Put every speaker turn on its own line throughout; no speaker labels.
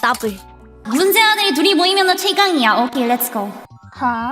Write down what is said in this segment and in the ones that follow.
더블.
문제 아들이 둘이 모이면 최강이야. 오케이, 렛츠고. 하?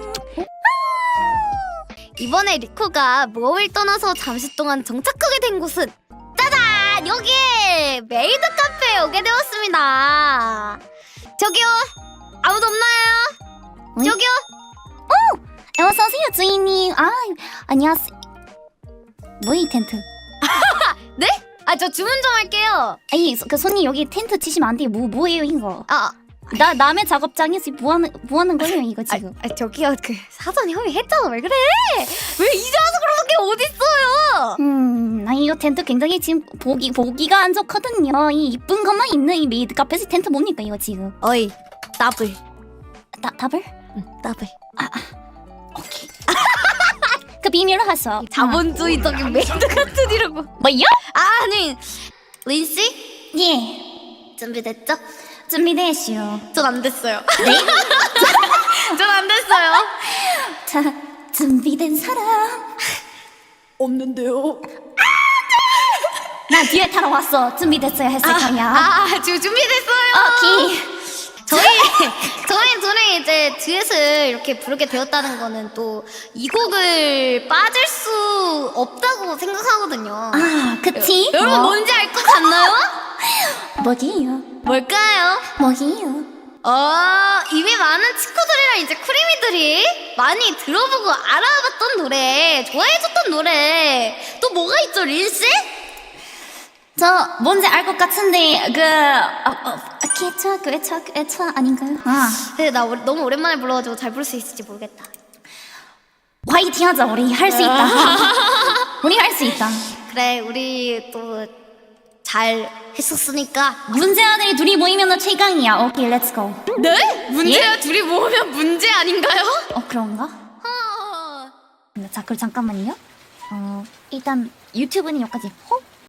이번에 리코가 모험을 떠나서 잠시 동안 정착하게 된 곳은 짜잔! 여기 메이드 카페에 오게 되었습니다. 저기요, 아무도 없나요?
응?
저기요.
어서오세요, 주인님. 아, 안녕하세요. 뭐이 텐트?
네? 아, 저 주문 좀 할게요.
아니, 그 손님 여기 텐트 치시면 안 돼요. 뭐예요, 이거?
아,
남의 작업장에서 뭐 하는 거예요, 이거 지금?
저기요, 그 사전 협의했잖아. 왜 그래? 왜 이제 와서 그러는 게 어딨어요?
나 이거 텐트 굉장히 지금 보기가 안 좋거든요. 이 이쁜 것만 있는 이 메이드 카페에서 텐트 뭡니까, 이거 지금?
어이, 더블.
답을?
응, 더블.
오케이. 그 비밀로 하셔.
자본주의적인 메이드 같은 이라고.
뭐요?
아니, 린씨?
예,
준비됐죠?
준비되시오.
전 안 됐어요.
네?
전 안 됐어요.
자, 준비된 사람.
없는데요.
나 뒤에 타러 왔어. 준비됐어요 했을 거야.
지금 준비됐어요.
오케이.
저희 둘이 이제 듀엣을 이렇게 부르게 되었다는 거는 또 이 곡을 빠질 수 없다고 생각하거든요.
아, 그치?
여러분 뭔지 알 것 같나요?
뭐지요?
뭘까요?
뭐지요?
이미 많은 친구들이랑 이제 쿠리미들이 많이 들어보고 알아봤던 노래, 좋아해줬던 노래 또 뭐가 있죠, 린씨?
저 뭔지 알 것 같은데 개차 아닌가요? 아,
근데 나 너무 오랜만에 불러가지고 잘 부를 수 있을지 모르겠다.
화이팅하자. 우리 할 수 있다. 우리 할 수 있다.
그래, 우리 또 잘 했었으니까.
문제 아들이 둘이 모이면 최강이야. 오케이, 렛츠고.
네? 문제야? 둘이 모으면 문제 아닌가요?
그런가? 자, 그럼 잠깐만요. 일단 유튜브는 여기까지.